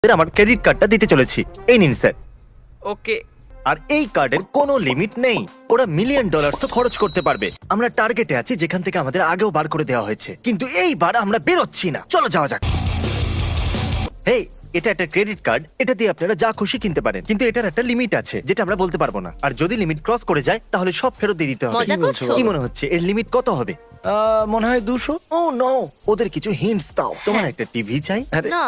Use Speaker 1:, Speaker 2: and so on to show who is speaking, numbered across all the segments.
Speaker 1: আমার ক্রেডিট কার্ডটা দিতে চলেছি। এই নিন স্যার।
Speaker 2: ওকে।
Speaker 1: আর এই কার্ডের কোনো লিমিট নেই, ওরা মিলিয়ন ডলার্সও খরচ করতে পারবে। আমরা টার্গেটে আছি যেখান থেকে আমাদের আগেও বার করে দেওয়া হয়েছে, কিন্তু এইবার আমরা বেরোচ্ছি না। চলো যাওয়া যাক। হেই, এটা একটা ক্রেডিট কার্ড, এটা দিয়ে আপনারা যা খুশি কিনতে পারেন, কিন্তু এটার একটা লিমিট আছে যেটা আমরা বলতে পারবো না। আর যদি লিমিট ক্রস করে যায় তাহলে সব ফেরত দিয়ে দিতে হবে।
Speaker 2: মজা করছো?
Speaker 1: কি মনে হচ্ছে এর লিমিট কত হবে?
Speaker 3: মনে হয় 200।
Speaker 1: ও নো, ওদের কিছু হিন্টস দাও। তোমার একটা টিভি চাই?
Speaker 2: না,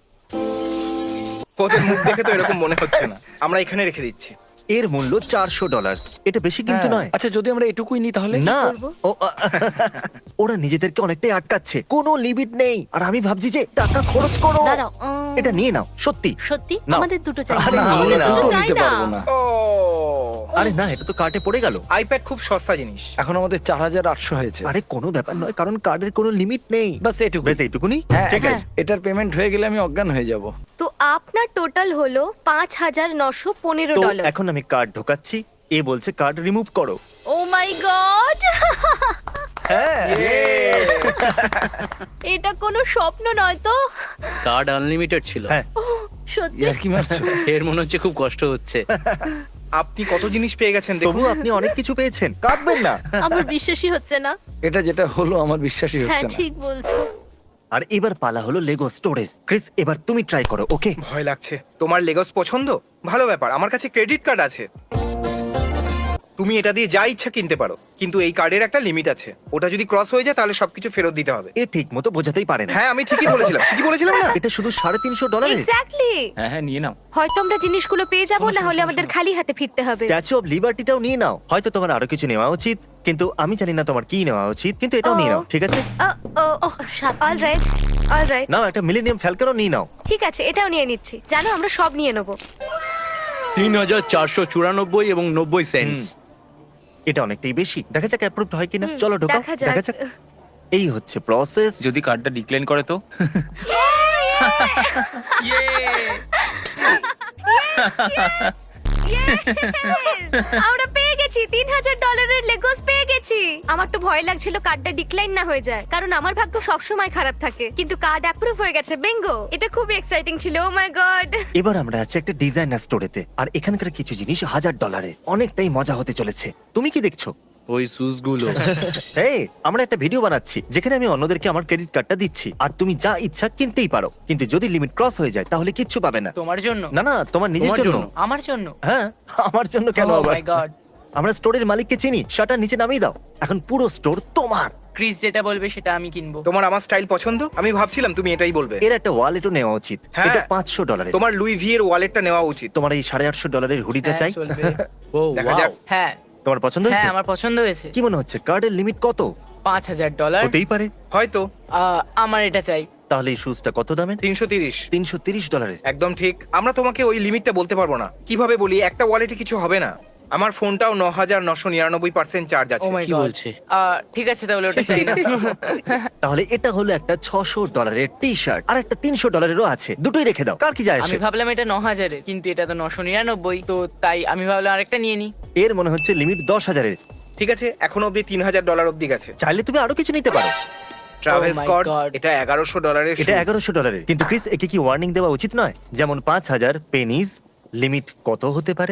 Speaker 4: ওদের মুখ দেখে তো এরকম মনে হচ্ছে না। আমরা এখানে রেখে দিচ্ছি।
Speaker 1: এর মূল্য $400। এটা বেশি কিন্তু নয়।
Speaker 3: আচ্ছা, যদি আমরা এটুকুই নিই তাহলে?
Speaker 1: না,
Speaker 2: করবো?
Speaker 1: ওরা নিজেদেরকে অনেকটাই আটকাচ্ছে, কোনো লিমিট নেই। আর আমি ভাবছি যে টাকা খরচ করো।
Speaker 2: দাঁড়াও।
Speaker 1: এটা নিয়ে নাও, সত্যি।
Speaker 2: সত্যি
Speaker 1: নাও।
Speaker 2: আমাদের দুটো চাই।
Speaker 1: আরে
Speaker 3: না,
Speaker 1: নিয়ে
Speaker 3: আমরা
Speaker 1: নাও।
Speaker 3: দুটো
Speaker 2: চাই
Speaker 3: নিতে
Speaker 2: না।
Speaker 3: পারবো না।
Speaker 4: ও,
Speaker 1: আরে না, এটা তো কার্টে পড়ে গেল।
Speaker 4: আইপ্যাড খুব সস্তা জিনিস।
Speaker 3: এখন আমাদের 4800 হয়েছে।
Speaker 1: আরে কোনো ব্যাপার নয়, কারণ কার্ডের কোনো লিমিট নেই।
Speaker 3: বাস এটুকু।
Speaker 1: বেশ এইটুকুনি?
Speaker 3: হ্যাঁ,
Speaker 1: ঠিক
Speaker 3: হ্যাঁ।
Speaker 1: আছে।
Speaker 3: এটার পেমেন্ট হয়ে গেলে আমি অজ্ঞান হয়ে যাব।
Speaker 5: তো আপনার টোটাল হলো $5,915
Speaker 1: তো এখন আমি কার্ড ঢোকাচ্ছি, এ বলছে কার্ড রিমুভ করো।
Speaker 2: ও মাই গড,
Speaker 1: হ্যাঁ,
Speaker 2: এটা কোনো স্বপ্ন নয় তো?
Speaker 6: কার্ড আনলিমিটেড ছিল।
Speaker 1: হ্যাঁ।
Speaker 2: সত্যি?
Speaker 3: ইয়ার কি মারছো?
Speaker 6: এর মনে হচ্ছে খুব কষ্ট হচ্ছে।
Speaker 4: আপনি কত জিনিস পেয়ে গেছেন দেখুন।
Speaker 1: তবু আপনি অনেক কিছু পেয়েছেন, কাঁদবেন না।
Speaker 2: আমার বিশ্বাসই হচ্ছে না।
Speaker 3: এটা যেটা হলো আমার বিশ্বাসই
Speaker 2: হ্যাঁ,
Speaker 3: হচ্ছে না।
Speaker 2: ঠিক বলছো।
Speaker 1: আর এবার পালা হলো লেগো স্টোরের। ক্রিস, এবার তুমি ট্রাই করো, ওকে?
Speaker 4: ভয় লাগছে। তোমার লেগোস পছন্দ? ভালো ব্যাপার, আমার কাছে ক্রেডিট কার্ড আছে। তুমি এটা দিয়ে যা ইচ্ছা কিনতে পারো, কিন্তু এই কার্ডের একটা লিমিট আছে। ওটা যদি ক্রস হয়ে যায় তাহলে সবকিছু ফেরত দিতে হবে।
Speaker 1: এ ঠিক মতো বোঝাতেই পারে না।
Speaker 4: হ্যাঁ, আমি ঠিকই বলেছিলাম। ঠিকই বলেছিলাম না?
Speaker 1: এটা শুধু $350।
Speaker 5: এক্স্যাক্টলি।
Speaker 3: হ্যাঁ হ্যাঁ, নিয়ে নাও।
Speaker 5: হয়তো আমরা জিনিসগুলো পেয়ে যাব, না হলে আমাদের খালি হাতে ফিরতে হবে।
Speaker 1: স্ট্যাচু অফ লিবার্টিটাও নিয়ে নাও। হয়তো তোমার আরো কিছু নেওয়া উচিত, কিন্তু আমি জানি না তোমার কি নেওয়া উচিত, কিন্তু এটাও নিয়ে নাও, ঠিক আছে?
Speaker 5: Alright, alright.
Speaker 1: নাও, একটা মিলেনিয়াম ফ্যালকনও নিয়ে নাও।
Speaker 5: ঠিক আছে, এটাও নিয়ে নিচ্ছি। জানো, আমরা সব নিয়ে নেব।
Speaker 6: 3494 এবং 90 সেন্টস।
Speaker 1: এটা অনেকটাই বেশি। দেখা যাক অ্যাপ্রুভড হয় কিনা। চলো ঢোকাও,
Speaker 5: দেখা
Speaker 1: দেখা
Speaker 5: যাক।
Speaker 1: যাক। এই হচ্ছে প্রসেস।
Speaker 7: যদি কার্ডটা ডিক্লাইন করে তো?
Speaker 5: Yes! আমরা পেয়ে গেছি, $3,000 লেগোস পেয়ে গেছি। আমার তো ভয় লাগছিল কার্ডটা ডিক্লাইন না হয়ে যায়, কারণ আমার ভাগ্য সব সময় খারাপ থাকে। কিন্তু কার্ড অ্যাপ্রুভ হয়ে গেছে। বিঙ্গো! এটা খুব এক্সাইটিং ছিল। Oh my God!
Speaker 1: এবার আমরা আছি একটা ডিজাইনার স্টোরেতে, আর এখানকার কিছু জিনিস $1000। অনেকটাই মজা হতে চলেছে। তুমি কি দেখছো?
Speaker 6: ওই শুজ গুলো।
Speaker 1: এই, আমরা একটা ভিডিও বানাচ্ছি যেখানে আমি অন্যদেরকে আমার ক্রেডিট কার্ডটা দিচ্ছি, আর তুমি যা ইচ্ছা কিনতেই পারো, কিন্তু যদি লিমিট ক্রস হয়ে যায় তাহলে কিচ্ছু পাবে না।
Speaker 2: তোমার জন্য?
Speaker 1: না না, তোমার নিজের
Speaker 6: তোমার
Speaker 1: জন্য।
Speaker 6: জন্য?
Speaker 2: আমার জন্য?
Speaker 1: হ্যাঁ, আমার জন্য কেন
Speaker 2: Oh
Speaker 1: আবার?
Speaker 2: my God!
Speaker 1: আমরা স্টোরের মালিককে চিনি, শাটার নিচে নামিয়ে দাও। এখন পুরো স্টোর তোমার।
Speaker 2: ক্রিস যেটা বলবে সেটা আমি কিনবো।
Speaker 4: তোমার আমার স্টাইল পছন্দ? আমি ভাবছিলাম তুমি এটাই বলবে।
Speaker 1: এর একটা ওয়ালেটও নেওয়া উচিত।
Speaker 4: হ্যাঁ।
Speaker 1: এটা $500।
Speaker 4: তোমার লুই ভি এর ওয়ালেটটা নেওয়া উচিত।
Speaker 1: তোমার এই $850 হুডিটা
Speaker 2: হ্যাঁ,
Speaker 1: চাই।
Speaker 2: চলবে।
Speaker 6: ও
Speaker 4: দেখা যাক।
Speaker 2: হ্যাঁ
Speaker 1: তোমার পছন্দ
Speaker 2: হ্যাঁ,
Speaker 1: হয়েছে?
Speaker 2: আমার পছন্দ হয়েছে।
Speaker 1: কি মনে হচ্ছে কার্ডের লিমিট কত?
Speaker 2: $5,000।
Speaker 1: হতেই পারে।
Speaker 4: হয়তো
Speaker 2: আমার এটা চাই।
Speaker 1: তাহলে এই শুজটা কত দামের?
Speaker 4: 330।
Speaker 1: $330।
Speaker 4: একদম ঠিক। আমরা তোমাকে ওই লিমিটটা বলতে পারবো না। কিভাবে বলি, একটা ওয়ালেটে কিছু হবে না। আমার ফোনটাও 9999% চার্জ
Speaker 2: ও
Speaker 4: আছে।
Speaker 2: মাই
Speaker 6: কি
Speaker 2: গড।
Speaker 6: বলছে?
Speaker 2: ঠিক আছে, তাহলে ওটা চাই না।
Speaker 1: তাহলে এটা হলো একটা $600 টি শার্ট, আর একটা $300 আছে। দুটোই রেখে দাও, কার কি যায়
Speaker 2: আমি
Speaker 1: আসে?
Speaker 2: ভাবলাম এটা 9,000 কিন্তু এটা তো 999, তো তাই আমি ভাবলাম আরেকটা নিয়ে নি।
Speaker 1: এর মনে হচ্ছে লিমিট 10,000।
Speaker 4: ঠিক আছে, এখনো অব্দি $3,000 অব্দি গেছে।
Speaker 1: চাইলে তুমি আরো কিছু নিতে পারো।
Speaker 4: Travel
Speaker 2: Oh my
Speaker 4: Scott,
Speaker 2: God.
Speaker 4: এটা $1,100
Speaker 1: এটা $1,100। কিন্তু ক্রিস, একে কি ওয়ার্নিং দেওয়া উচিত নয়? যেমন 5,000 পেনিজ। লিমিট কত হতে পারে?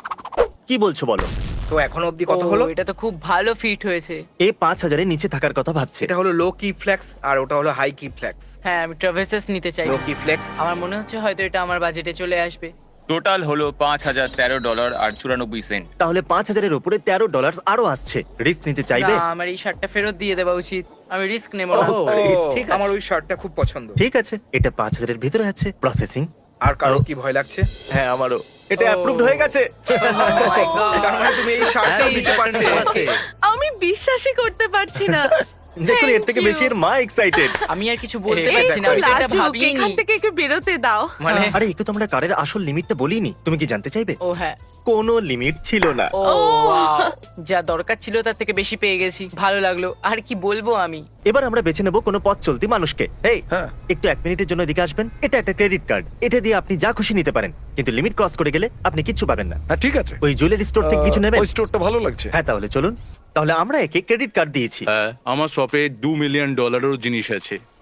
Speaker 1: কি বলছো বলো?
Speaker 4: তো এখনো অব্দি কত
Speaker 2: ও,
Speaker 4: হলো?
Speaker 2: এটা তো খুব ভালো ফিট হয়েছে।
Speaker 1: এ 5,000 নিচে থাকার কথা ভাবছে।
Speaker 4: এটা হলো লো কি ফ্লেক্স আর ওটা হলো হাই কি ফ্লেক্স।
Speaker 2: হ্যাঁ, আমি ট্রাভার্সাস নিতে চাই।
Speaker 4: লো কি ফ্লেক্স
Speaker 2: আমার মনে হচ্ছে হয়তো এটা আমার বাজেটে চলে আসবে।
Speaker 7: টোটাল হলো $5,013 আর 94 সেন্ট।
Speaker 1: তাহলে 5,000 উপরে $13 আরো আসছে। রিস্ক নিতে চাইবে?
Speaker 2: না, আমার এই শার্টটা ফেরত দিয়ে দেওয়া উচিত। আমি রিস্ক নেব না।
Speaker 1: ও,
Speaker 2: ঠিক আছে।
Speaker 4: আমার ওই শার্টটা খুব পছন্দ।
Speaker 1: ঠিক আছে, এটা 5,000 ভিতরে আছে। প্রসেসিং।
Speaker 4: আর কারো কি ভয় লাগছে?
Speaker 1: হ্যাঁ, আমারও। এটা
Speaker 2: Oh.
Speaker 1: অ্যাপ্রুভড হয়ে গেছে।
Speaker 2: Oh my God!
Speaker 4: তার মানে তুমি এই শার্টটাও নিতে পারতে।
Speaker 8: আমি বিশ্বাসই করতে পারছি না।
Speaker 1: দেখুন, এর থেকে বেশি এর মা এক্সাইটেড।
Speaker 2: আমি আর কিছু বলতে
Speaker 4: এই
Speaker 2: পারছি না,
Speaker 4: দেখো,
Speaker 2: আমি তো এটা
Speaker 8: লাজুক,
Speaker 2: ভাবিনি।
Speaker 8: এখান থেকে একটু বেরোতে দাও।
Speaker 4: মানে
Speaker 1: আরে, একটু তো আমরা কারের আসল লিমিটটা বলিনি। তুমি কি জানতে চাইবে?
Speaker 2: ও হ্যাঁ,
Speaker 1: কোনো লিমিট ছিল না।
Speaker 2: ও wow! যা দরকার ছিল তার থেকে বেশি পেয়ে গেছি। ভালো লাগলো। আর কি বলবো আমি।
Speaker 1: এবার আমরা বেছে নেব কোনো পথ চলতি মানুষকে। এই,
Speaker 3: হ্যাঁ।
Speaker 1: একটু 1 মিনিটের জন্য এদিকে আসবেন। এটা একটা ক্রেডিট কার্ড। এটা দিয়ে আপনি যা খুশি নিতে পারেন, কিন্তু লিমিট ক্রস করে গেলে আপনি কিচ্ছু পাবেন না।
Speaker 3: হ্যাঁ, ঠিক আছে।
Speaker 1: ওই জুয়েলারি স্টোর থেকে কিছু নেবেন?
Speaker 3: ওই স্টোরটা ভালো লাগছে।
Speaker 1: হ্যাঁ, তাহলে চলুন। তাহলে আমরা একে ক্রেডিট কার্ড দিয়েছি।
Speaker 6: হ্যাঁ, আমার শপে $2 মিলিয়ন জিনিস আছে।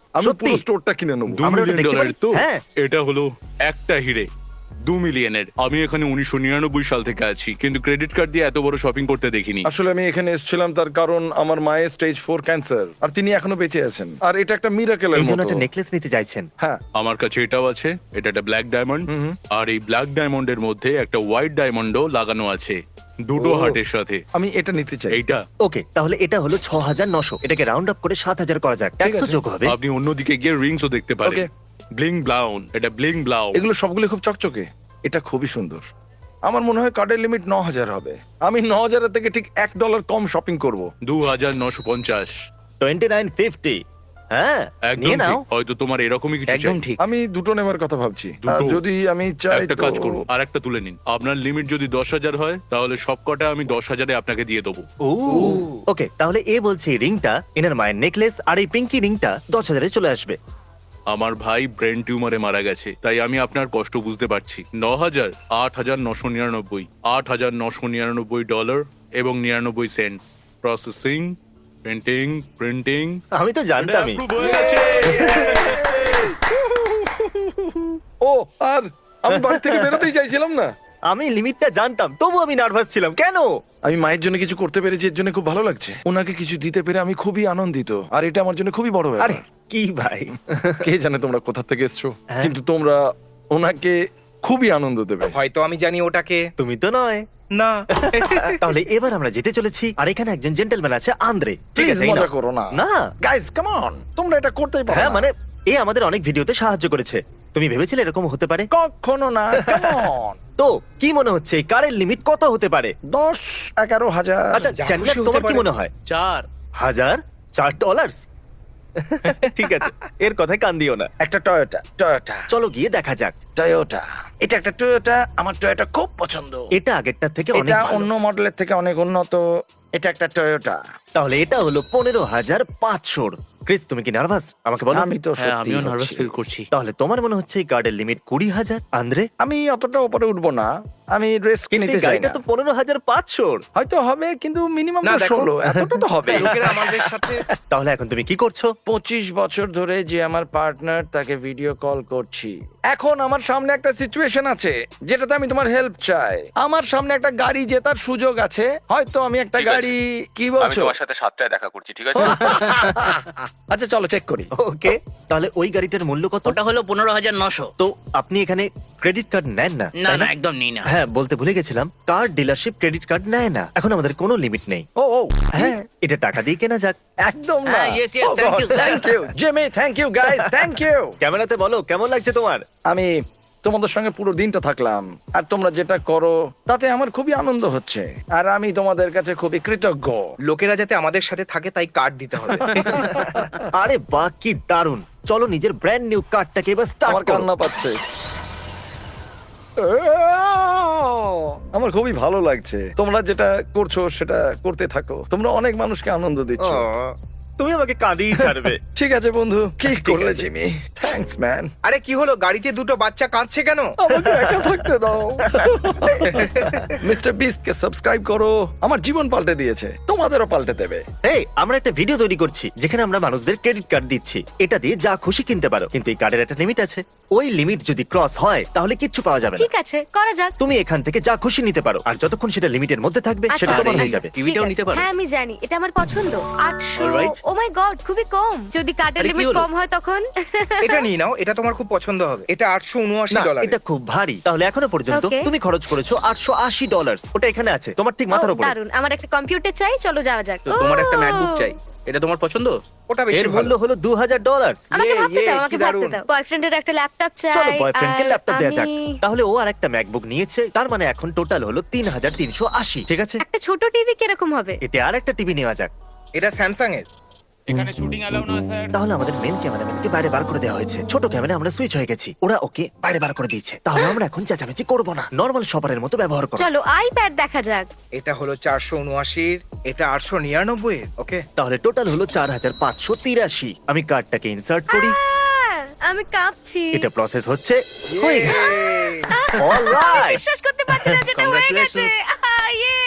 Speaker 9: আমি
Speaker 1: সত্যি?
Speaker 9: পুরো স্টোরটা কিনে নেবো।
Speaker 7: 2
Speaker 1: আমরা ওটা
Speaker 7: মিলিয়ন
Speaker 1: দেখতে
Speaker 7: ডলার
Speaker 1: পারি?
Speaker 7: তো
Speaker 1: হ্যাঁ।
Speaker 7: এটা হলো একটা হিরে 2 মিলিয়নের। আমি এখানে 1999 সাল থেকে আছি, কিন্তু ক্রেডিট কার্ড দিয়ে এত বড় শপিং করতে দেখিনি।
Speaker 9: আসলে আমি এখানে এসেছিলাম তার কারণ আমার মায়ের স্টেজ 4 ক্যান্সার, আর তিনি এখনো বেঁচে আছেন, আর এটা একটা মিরাকেলের
Speaker 1: এই জন্য
Speaker 9: মতো।
Speaker 1: একটা নেকলেস নিতে চাইছেন?
Speaker 9: হ্যাঁ,
Speaker 7: আমার কাছে এটাও আছে, এটা একটা ব্ল্যাক ডায়মন্ড, আর এই ব্ল্যাক ডায়মন্ডের মধ্যে একটা হোয়াইট ডায়মন্ডও লাগানো আছে, দুটো
Speaker 9: ও।
Speaker 7: হার্টের সাথে।
Speaker 9: আমি এটা নিতে চাই।
Speaker 7: এইটা
Speaker 1: ওকে, তাহলে এটা হলো 6,900। এটাকে রাউন্ড আপ করে 7,000 করা যাক, ট্যাক্সও
Speaker 9: আছে।
Speaker 1: যোগ হবে।
Speaker 7: আপনি অন্যদিকে গিয়ে রিংসও দেখতে পারেন।
Speaker 9: Okay.
Speaker 7: ব্লিং ব্লাউন, এটা ব্লিং ব্লাউ।
Speaker 9: এগুলো সবগুলো খুব চকচকে, এটা খুবই সুন্দর। আমার মনে হয় কার্ডের লিমিট 9,000 হবে। আমি 9,000 থেকে ঠিক $1 কম শপিং করব।
Speaker 7: 2,950।
Speaker 1: 2950। হ্যাঁ,
Speaker 7: একদম
Speaker 1: নিয়ে নাও।
Speaker 7: ঠিক। হয়তো তোমার এরকমই কিছু
Speaker 6: একদম
Speaker 7: চাই।
Speaker 6: ঠিক।
Speaker 9: আমি দুটো নেবার কথা ভাবছি।
Speaker 7: দুটো?
Speaker 9: যদি আমি চাই
Speaker 7: একটা
Speaker 9: তো-
Speaker 7: কাজ করুন, আর একটা তুলে নিন। আপনার লিমিট যদি 10,000 হয়, তাহলে সবকটা আমি 10,000-এ আপনাকে দিয়ে দেবো।
Speaker 1: ওকে, তাহলে এ বলছে এই রিংটা, এনার মায়ের নেকলেস আর এই পিঙ্কি রিংটা 10,000-এ চলে আসবে।
Speaker 7: আমার ভাই ব্রেন টিউমারে মারা গেছে, তাই আমি আপনার কষ্ট বুঝতে পারছি। 9,000, 8,999, $8,999 এবং 99 সেন্টস। Processing, printing.
Speaker 1: আমি তো জানতামই।
Speaker 9: ও, আর আমি বাড়ি থেকে বেরোতেই চাইছিলাম না।
Speaker 1: আমি লিমিটটা জানতাম, তবু আমি নার্ভাস ছিলাম। কেন?
Speaker 9: আমি মায়ের জন্য কিছু করতে পেরেছি, এর জন্য খুব ভালো লাগছে। ওনাকে কিছু দিতে পেরে আমি খুবই আনন্দিত, আর এটা আমার জন্য খুবই বড় ব্যাপার।
Speaker 1: আরে কি ভাই,
Speaker 9: কে জানে তোমরা কোথা থেকে এসছো,
Speaker 1: হ্যাঁ।
Speaker 9: কিন্তু তোমরা ওনাকে খুবই আনন্দ দেবে।
Speaker 4: হয়তো আমি জানি ওটাকে।
Speaker 1: তুমি তো নয়।
Speaker 4: না।
Speaker 1: তাহলে এবার আমরা যেতে চলেছি, আর এখানে একজন জেন্টলম্যান আছে, আন্দ্রে। ঠিক
Speaker 9: প্লিজ
Speaker 1: আছে, এই
Speaker 9: মজা
Speaker 1: নাও।
Speaker 9: করো না।
Speaker 1: না,
Speaker 9: গাইস কাম অন, তোমরা এটা করতেই পারো
Speaker 1: হ্যাঁ
Speaker 9: না।
Speaker 1: মানে এ আমাদের অনেক ভিডিওতে সাহায্য করেছে। তুমি ভেবেছিলে এরকম হতে পারে?
Speaker 9: কখনো না। Come on.
Speaker 1: তো কি মনে হচ্ছে এই কারের লিমিট কত হতে পারে?
Speaker 9: 10-11,000।
Speaker 1: আচ্ছা
Speaker 4: যা
Speaker 1: চ্যান্ডলার,
Speaker 4: খুশি হতে
Speaker 1: তোমার কি
Speaker 4: পারে।
Speaker 1: মনে হয়?
Speaker 6: 4
Speaker 1: $1,000? ঠিক আছে, এর কথায় কান দিও না।
Speaker 9: একটা টয়োটা।
Speaker 1: চলো গিয়ে দেখা যাক।
Speaker 9: টয়োটা, এটা একটা টয়োটা। আমার টয়োটা খুব পছন্দ।
Speaker 1: এটা আগেরটার থেকে অনেক
Speaker 9: এটা
Speaker 1: ভালো।
Speaker 9: অন্য মডেলের থেকে অনেক উন্নত। এটা একটা টয়োটা।
Speaker 1: তাহলে এটা হলো 15,500। ক্রিস, তুমি কি নার্ভাস? আমাকে বলো।
Speaker 9: আমি তো
Speaker 6: হ্যাঁ,
Speaker 9: সত্যি
Speaker 6: আমিও নার্ভাস ফিল করছি।
Speaker 1: তাহলে তোমার মনে হচ্ছে এই কার্ডের লিমিট 20,000? আন্দ্রে,
Speaker 9: আমি অতটা উপরে উঠবো না, আমি রিস্ক
Speaker 1: কিন্তু
Speaker 9: নিতে
Speaker 1: এই
Speaker 9: চাই
Speaker 1: গাড়িটা
Speaker 9: না।
Speaker 1: তো 15,500।
Speaker 9: হয়তো হবে, কিন্তু মিনিমাম
Speaker 4: না, দেখো।
Speaker 9: 16। এতটা তো হবে।
Speaker 4: লোকেরা আমাদের সাথে
Speaker 1: তাহলে এখন তুমি কি করছো?
Speaker 9: 25 বছর ধরে যে আমার পার্টনার, তাকে ভিডিও কল করছি। এখন আমার সামনে একটা সিচুয়েশন আছে যেটাতে আমি তোমার হেল্প চাই। আমার সামনে একটা গাড়ি জেতার সুযোগ আছে। হয়তো আমি একটা
Speaker 7: ঠিক আছে।
Speaker 9: গাড়ি, কি বলছো?
Speaker 7: সাথে 7টায় দেখা করছি, ঠিক আছে?
Speaker 9: আচ্ছা চলো চেক করি।
Speaker 1: ওকে, তাহলে ওই গাড়িটার মূল্য কত?
Speaker 6: ওটা হলো 15,900।
Speaker 1: তো আপনি এখানে ক্রেডিট কার্ড নেন না,
Speaker 6: না
Speaker 1: তাই
Speaker 6: না, একদম নেই না।
Speaker 1: হ্যাঁ, বলতে ভুলে গেছিলাম, কার ডিলারশিপ ক্রেডিট কার্ড নেয় না। এখন আমাদের কোনো লিমিট নেই।
Speaker 9: ও
Speaker 1: হ্যাঁ, এটা টাকা দিয়ে কেনা যাক।
Speaker 9: একদম না।
Speaker 6: হ্যাঁ, yes, yes, thank you, sir.
Speaker 9: Thank you Jimmy, thank you guys, thank you.
Speaker 1: ক্যামেরাতে বলো কেমন লাগছে তোমার?
Speaker 9: আমি তোমাদের সঙ্গে পুরো দিনটা থাকলাম, আর তোমরা যেটা করো তাতে আমার খুবই আনন্দ হচ্ছে, আর আমি তোমাদের কাছে খুবই কৃতজ্ঞ।
Speaker 4: লোকেরা যাতে আমাদের সাথে থাকে তাই কার্ড দিতে হবে।
Speaker 1: আরে বাহ, কি দারুণ। চলো নিজের ব্র্যান্ড নিউ কার্ডটাকে এবার স্টার্ট
Speaker 9: আমার
Speaker 1: করো।
Speaker 9: কান্না পাচ্ছে। আমার খুবই ভালো লাগছে। তোমরা যেটা করছো সেটা করতে থাকো। তোমরা অনেক মানুষকে আনন্দ দিচ্ছ।
Speaker 1: তুমি আমাকে কাঁদিয়ে ছাড়বে।
Speaker 9: ঠিক আছে বন্ধু, কি করলে জিমি? Thanks man.
Speaker 4: আরে কি হলো, গাড়িতে দুটো বাচ্চা কাঁদছে কেন?
Speaker 9: আমাকে একা থাকতে দাও। মিস্টার বিস্টকে সাবস্ক্রাইব করো। আমার জীবন পাল্টে দিয়েছে, তোমাদেরও পাল্টে দেবে।
Speaker 1: এই, আমরা একটা ভিডিও তৈরি করছি যেখানে আমরা মানুষদের ক্রেডিট কার্ড দিচ্ছি। এটা দিয়ে যা খুশি কিনতে পারো, কিন্তু এই কার্ডের একটা লিমিট আছে। ওই লিমিট যদি ক্রস হয় তাহলে কিচ্ছু পাওয়া যাবে না।
Speaker 5: ঠিক আছে, করা যাক।
Speaker 1: তুমি এখান থেকে যা খুশি নিতে পারো, আর যতক্ষণ সেটা লিমিটের মধ্যে থাকবে সেটা
Speaker 5: আচ্ছা,
Speaker 1: তোমার হয়ে
Speaker 5: আচ্ছা,
Speaker 1: যাবে।
Speaker 6: টিভিটাও
Speaker 5: ঠিক
Speaker 6: নিতে
Speaker 5: আছে।
Speaker 6: পারো।
Speaker 5: হ্যাঁ, আমি জানি, এটা আমার পছন্দ। 800।
Speaker 6: Alright.
Speaker 5: ও মাই গড, খুবই কম। যদি কার্ডের
Speaker 6: আরে, কি
Speaker 5: লিমিট
Speaker 6: হলো?
Speaker 5: কম হয় তখন?
Speaker 4: এটা নিয়ে নাও, এটা তোমার খুব পছন্দ হবে। এটা
Speaker 1: না,
Speaker 4: $879।
Speaker 1: এটা খুব ভারী। তাহলে এখনো পর্যন্ত
Speaker 5: Okay.
Speaker 1: তুমি খরচ করেছো $880। ওটা এখানে আছে, তোমার ঠিক মাথার
Speaker 5: ও,
Speaker 1: উপরে।
Speaker 5: দারুণ। আমার একটা কম্পিউটার চাই, চলো যাওয়া যাক।
Speaker 6: তো তোমার একটা
Speaker 5: ও,
Speaker 6: ম্যাকবুক চাই, এটা তোমার পছন্দ?
Speaker 4: ওটা বেশি
Speaker 1: এর
Speaker 4: ভালো।
Speaker 1: মূল্য হলো $2,000।
Speaker 5: আমাকে
Speaker 4: ইয়ে,
Speaker 5: ভাবতে
Speaker 4: ইয়ে,
Speaker 5: দাও,
Speaker 4: কি
Speaker 5: আমাকে ভাবতে
Speaker 4: দারুণ।
Speaker 5: দাও। বয়ফ্রেন্ডের একটা ল্যাপটপ চাই।
Speaker 1: চলো বয়ফ্রেন্ডকে
Speaker 5: আর
Speaker 1: ল্যাপটপ দেওয়া যাক।
Speaker 5: আমি-
Speaker 1: তাহলে ও আর একটা ম্যাকবুক নিয়েছে, তার মানে এখন টোটাল হলো 3,380। ঠিক আছে,
Speaker 5: একটা ছোট টিভি কিরকম হবে?
Speaker 1: এতে আর একটা টিভি নেওয়া যাক।
Speaker 4: এটা স্যামসাং এর।
Speaker 7: এখানে শুটিং অ্যালাউ না স্যার।
Speaker 1: তাহলে আমাদের মেন ক্যামেরাম্যানকে বাইরে বার করে দেওয়া হয়েছে। ছোট ক্যামেরা আমরা সুইচ হয়ে গেছি, ওরা ওকে বাইরে বার করে দিয়েছে। তাহলে আমরা এখন চেঁচামেচি করবো না, নর্মাল শপারের মতো ব্যবহার করবো।
Speaker 5: চলো আইপ্যাড দেখা যাক।
Speaker 4: এটা হলো 479, এটা 899 এর। ওকে,
Speaker 1: তাহলে টোটাল হলো 4,583। আমি কার্ডটাকে ইনসার্ট করি,
Speaker 5: আমি কাঁপছি।
Speaker 1: এটা প্রসেস হচ্ছে, হয়ে গেছে। অলরাইট,
Speaker 5: বিশ্বাস করতে পারছি না যেটা হয়ে গেছে।
Speaker 6: Congratulations.
Speaker 5: ইয়ে!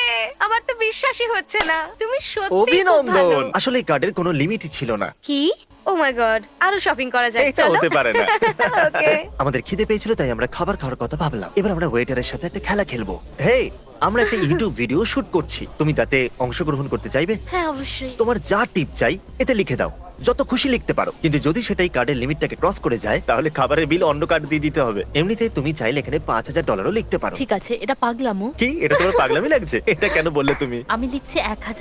Speaker 5: আমার তো বিশ্বাসই হচ্ছে না, তুমি সত্যি খুব ভালো।
Speaker 1: অভিনন্দন। আসলে এই কার্ডের কোনো লিমিটই ছিল না।
Speaker 5: কি? ও মাই গড, আরো শপিং করা যায়,
Speaker 1: এটা
Speaker 5: চলো।
Speaker 1: হতে পারে না।
Speaker 5: ওকে।
Speaker 1: আমাদের খিদে পেয়েছিল তাই আমরা খাবার খাওয়ার কথা ভাবলাম। এবার আমরা ওয়েটারের সাথে একটা খেলা খেলবো। হেই, আমরা একটা ইউটিউব ভিডিও শুট করছি, তুমি তাতে অংশগ্রহণ করতে চাইবে?
Speaker 5: হ্যাঁ অবশ্যই।
Speaker 1: তোমার যা টিপ চাই এতে লিখে দাও, যত খুশি লিখতে পারো, কিন্তু যদি সেটাই কার্ডের লিমিটটাকে ক্রস করে যায় তাহলে খাবারের বিল অন্য কার্ড দিয়ে দিতে হবে। এমনিতে তুমি চাইলে এখানে $5,000 লিখতে পারো।
Speaker 10: ঠিক আছে, এটা পাগলামো।
Speaker 1: কি, এটা তোমার পাগলামি লাগছে? এটা কেন বললে তুমি?
Speaker 10: আমি লিখছি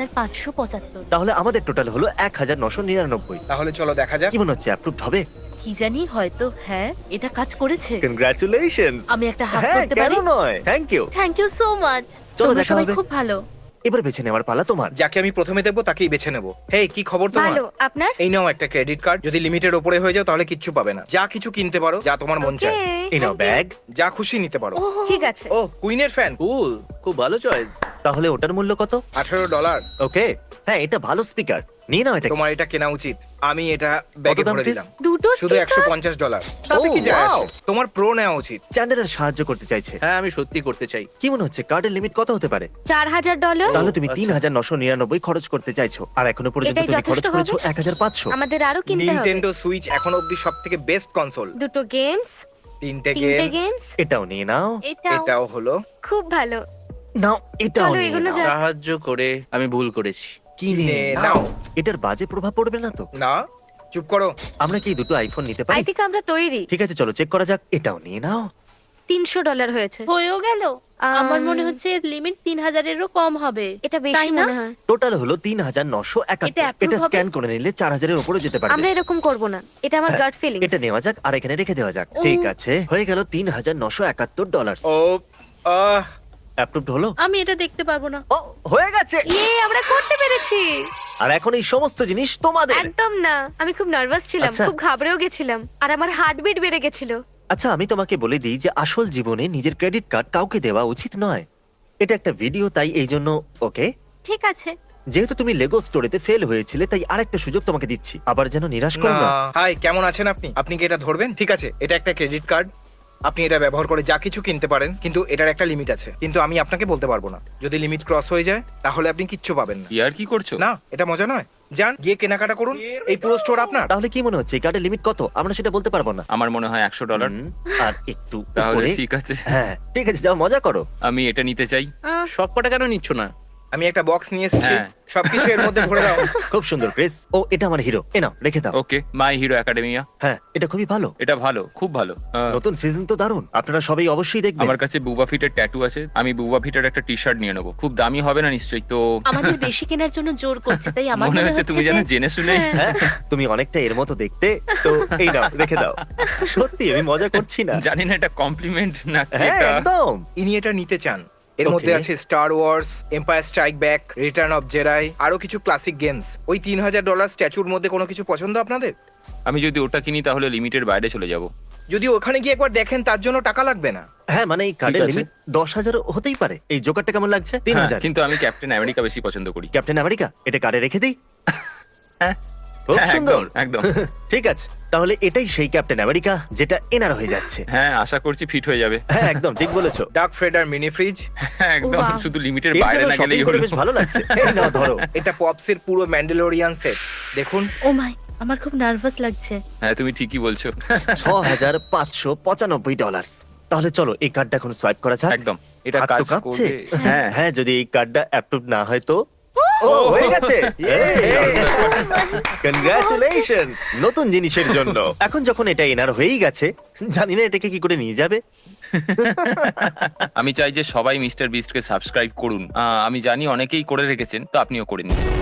Speaker 10: 1575।
Speaker 1: তাহলে আমাদের টোটাল হলো 1999।
Speaker 4: তাহলে চলো দেখা যাক।
Speaker 1: কি মনে হচ্ছে অ্যাপ্রুভড হবে?
Speaker 10: কি জানি, হয়তো। হ্যাঁ, এটা কাজ করেছে।
Speaker 1: কনগ্রাচুলেশনস।
Speaker 10: আমি একটা হাত
Speaker 1: হ্যাঁ,
Speaker 10: করতে
Speaker 1: কেন
Speaker 10: পারি?
Speaker 1: নয়, thank you.
Speaker 10: Thank you so much.
Speaker 1: চলো,
Speaker 10: তোমরা
Speaker 1: দেখা
Speaker 10: সবাই
Speaker 1: হবে।
Speaker 10: খুব ভালো।
Speaker 1: এবার বেছে নেওয়ার পালা তোমার।
Speaker 4: যাকে আমি প্রথমে দেবো তাকেই বেছে নেবো। হেই, কি খবর তোমার?
Speaker 5: ভালো, আপনার?
Speaker 4: এই নাও একটা ক্রেডিট কার্ড। যদি লিমিটের ওপরে হয়ে যাও তাহলে কিচ্ছু পাবে না। যা কিছু কিনতে পারো, যা তোমার মন চায়।
Speaker 5: Okay,
Speaker 1: এই নাও
Speaker 5: thank you.
Speaker 1: ব্যাগ।
Speaker 4: যা খুশি নিতে পারো।
Speaker 5: ঠিক আছে।
Speaker 4: ও, কুইনের ফ্যান।
Speaker 6: কুল, খুব ভালো চয়েস।
Speaker 1: তাহলে ওটার মূল্য কত?
Speaker 4: $18।
Speaker 1: ওকে, হ্যাঁ এটা ভালো স্পিকার, নিয়ে নাও এটা।
Speaker 4: তোমার এটা কেনা উচিত। আমি এটা ব্যাগে
Speaker 1: কত দাম,
Speaker 4: ভরে
Speaker 1: please?
Speaker 4: দিলাম।
Speaker 5: দুটো
Speaker 4: শুধু
Speaker 5: speaker?
Speaker 4: $150। তাতে কি
Speaker 1: Oh,
Speaker 4: যায়
Speaker 1: wow.
Speaker 4: আসে? তোমার প্রো নেওয়া উচিত।
Speaker 1: চ্যান্ডেলার সাহায্য করতে চাইছে।
Speaker 6: হ্যাঁ, আমি সত্যি করতে চাই।
Speaker 1: কি মনে হচ্ছে কার্ডের লিমিট কত হতে পারে?
Speaker 5: $4,000।
Speaker 1: তাহলে তুমি
Speaker 6: আচ্ছা।
Speaker 1: 3,999 খরচ করতে চাইছো, আর এখনো পর্যন্ত
Speaker 5: এটাই
Speaker 1: তুমি খরচ
Speaker 5: যথেষ্ট
Speaker 1: করেছো
Speaker 5: হবে?
Speaker 1: 1,500।
Speaker 5: আমাদের আরো কিনতে হবে।
Speaker 4: নিনটেন্ডো সুইচ এখনো অবধি সবথেকে বেস্ট কনসোল।
Speaker 5: দুটো গেমস,
Speaker 4: তিনটে
Speaker 5: তিনটে
Speaker 4: গেমস।
Speaker 5: গেমস,
Speaker 1: এটাও নিয়ে নাও।
Speaker 4: এটাও হলো।
Speaker 5: খুব ভালো।
Speaker 1: নাও, এটাও
Speaker 5: চলো,
Speaker 1: নিয়ে
Speaker 5: এগুলো
Speaker 1: নাও।
Speaker 5: যা-
Speaker 6: সাহায্য করে আমি ভুল করেছি।
Speaker 1: কিনে
Speaker 4: কিনে
Speaker 1: নাও।
Speaker 4: নাও।
Speaker 1: এটার বাজে প্রভাব পড়বে না তো?
Speaker 4: না, চুপ করো।
Speaker 1: আমরা কি দুটো আইফোন নিতে
Speaker 5: আই
Speaker 1: পারি?
Speaker 5: থিংক আমরা তৈরি।
Speaker 1: ঠিক আছে, চলো চেক করা যাক। এটাও নিয়ে নাও।
Speaker 5: $300 হয়েছে।
Speaker 10: হয়েও গেল। আমার মনে হচ্ছে এর লিমিট 3000-এরও কম হবে।
Speaker 5: এটা বেশি
Speaker 10: তাই না?
Speaker 5: মনে হয়।
Speaker 1: টোটাল হলো 3,971।
Speaker 10: এটা approve
Speaker 1: এটা
Speaker 10: হবে?
Speaker 1: স্ক্যান করে নিলে 4,000-এর উপরে যেতে পারবে।
Speaker 5: আমরা এরকম করব না, এটা আমার
Speaker 1: হ্যাঁ,
Speaker 5: গাট ফিলিংস।
Speaker 1: এটা নেওয়া যাক আর এখানে রেখে দেওয়া যাক। ঠিক আছে, হয়ে গেল $3,971।
Speaker 4: ও, আহ,
Speaker 1: অ্যাপ্রুভড হলো?
Speaker 10: আমি এটা দেখতে পারবো না।
Speaker 1: ও, হয়ে গেছে।
Speaker 5: ইয়ে, আমরা করতে পেরেছি।
Speaker 1: আর এখন এই সমস্ত জিনিস তোমাদের।
Speaker 5: একদম না, আমি খুব নার্ভাস ছিলাম,
Speaker 1: আচ্ছা।
Speaker 5: খুব ঘাবড়েও গেছিলাম, আর আমার হার্টবিট বেড়ে গেছিল।
Speaker 1: আচ্ছা, আমি তোমাকে বলে দিই যে আসল জীবনে নিজের ক্রেডিট কার্ড কাউকে দেওয়া উচিত নয়। এটা একটা ভিডিও, তাই এই জন্য ওকে।
Speaker 10: ঠিক আছে।
Speaker 1: যেহেতু তুমি লেগো স্টোরেতে ফেল হয়েছিলে তাই আরেকটা সুযোগ তোমাকে দিচ্ছি, আবার যেন নিরাশ করো
Speaker 4: না।
Speaker 1: না।
Speaker 4: হাই, কেমন আছেন আপনি? আপনি কি এটা ধরবেন? ঠিক আছে, এটা একটা ক্রেডিট কার্ড। আপনি এটা ব্যবহার করে যা কিছু কিনতে পারেন, কিন্তু এটার একটা লিমিট আছে। কিন্তু আমি আপনাকে বলতে পারবো না। যদি লিমিট ক্রস হয়ে যায় তাহলে আপনি কিচ্ছু পাবেন না।
Speaker 6: ইয়ার কি করছো?
Speaker 4: না, এটা মজা নয়। যান, গিয়ে কেনাকাটা করুন। এই পুরো স্টোর আপনার।
Speaker 1: তাহলে কি মনে হচ্ছে এই কার্ডের লিমিট কত? আমরা সেটা বলতে পারবো না।
Speaker 11: আমার মনে হয় $100।
Speaker 1: আর একটু
Speaker 11: তাহলে
Speaker 1: উপরে।
Speaker 11: ঠিক আছে,
Speaker 1: হ্যাঁ ঠিক আছে, যাও মজা করো।
Speaker 11: আমি এটা নিতে চাই।
Speaker 6: সব কটা কেন নিচ্ছ না?
Speaker 4: আমি একটা বক্স নিয়ে এসেছি,
Speaker 11: হ্যাঁ।
Speaker 4: সবকিছু এর মধ্যে ভরে দাও।
Speaker 1: খুব সুন্দর ক্রিস। ও, এটা আমার হিরো, এ নাও রেখে দাও।
Speaker 11: Okay, My Hero Academia.
Speaker 1: হ্যাঁ, এটা খুবই ভালো।
Speaker 11: এটা ভালো, খুব ভালো।
Speaker 1: নতুন সিজন তো দারুণ, আপনারা সবাই অবশ্যই দেখবেন।
Speaker 11: আমার কাছে বুবা ফিটের ট্যাটু আছে, আমি বুবা ফিটের একটা টি শার্ট নিয়ে নেবো। খুব দামি হবে না নিশ্চয়ই তো?
Speaker 10: আমাদের বেশি কেনার জন্য জোর করছে, তাই আমার
Speaker 11: মনে হচ্ছে তুমি যেন জেনে শুনে।
Speaker 1: হ্যাঁ, তুমি অনেকটা এর মতো দেখতে, তো এই নাও রেখে দাও। সত্যি আমি মজা করছি না।
Speaker 11: জানি না এটা কমপ্লিমেন্ট না
Speaker 1: হ্যাঁ
Speaker 11: এটা।
Speaker 1: একদম।
Speaker 4: ইনি এটা নিতে চান। এর
Speaker 1: Okay.
Speaker 4: মধ্যে আছে Star Wars, Empire Strike Back, Return of Jedi, আরো কিছু ক্লাসিক গেমস। ওই $3,000 স্ট্যাচুর মধ্যে কোনো কিছু পছন্দ আপনাদের?
Speaker 11: আমি যদি ওটা কিনি তাহলে লিমিটের বাইরে চলে যাব।
Speaker 4: যদি ওখানে গিয়ে একবার দেখেন তার জন্য টাকা লাগবে না।
Speaker 1: হ্যাঁ মানে এই কার্ডের
Speaker 11: আছে।
Speaker 1: লিমিট 10,000 হতেই পারে। এই জোকারটা কেমন লাগছে?
Speaker 11: হ্যাঁ,
Speaker 1: 3,000।
Speaker 11: কিন্তু আমি ক্যাপ্টেন আমেরিকা বেশি পছন্দ করি।
Speaker 1: ক্যাপ্টেন আমেরিকা, এটা কার্ডে রেখে দিই।
Speaker 11: হ্যাঁ।
Speaker 1: খুব
Speaker 11: হ্যাঁ,
Speaker 1: সুন্দর।
Speaker 11: একদম।
Speaker 1: ঠিক আছে, তাহলে এটাই সেই ক্যাপ্টেন আমেরিকা যেটা এনার হয়ে যাচ্ছে।
Speaker 11: হ্যাঁ, আশা করছি ফিট হয়ে যাবে।
Speaker 1: হ্যাঁ একদম ঠিক বলেছো।
Speaker 4: Darth Vader mini fridge.
Speaker 11: হ্যাঁ, একদম।
Speaker 10: Wow.
Speaker 11: শুধু লিমিটের
Speaker 1: এর
Speaker 11: বাইরে
Speaker 1: জন্য
Speaker 11: না
Speaker 1: shopping
Speaker 11: গেলেই
Speaker 1: করে
Speaker 11: হলো।
Speaker 1: বেশ ভালো লাগছে। এই নাও ধরো।
Speaker 4: এটা পপসের পুরো ম্যান্ডেলোরিয়ান সেট। দেখুন।
Speaker 10: ও মাই, আমার খুব নার্ভাস লাগছে।
Speaker 11: হ্যাঁ, তুমি ঠিকই বলছো।
Speaker 1: $6,595। তাহলে চলো এই কার্ডটা এখন সোয়াইপ করা যাক।
Speaker 11: একদম, এটা
Speaker 1: হাত তো
Speaker 11: কাজ
Speaker 1: কাঁপছে।
Speaker 11: করবে। হ্যাঁ,
Speaker 1: হ্যাঁ, যদি এই কার্ডটা অ্যাপ্রুভ না হয় তো। ও, হয়ে গেছে। কনগ্রাচুলেশনস নতুন জিনিসের জন্য। এখন যখন এটা এনার হয়েই গেছে, জানি না এটাকে কি করে নিয়ে যাবে।
Speaker 11: আমি চাই যে সবাই মিস্টার বিস্টকে সাবস্ক্রাইব করুন। আমি জানি অনেকেই করে রেখেছেন, তো আপনিও করে নিন।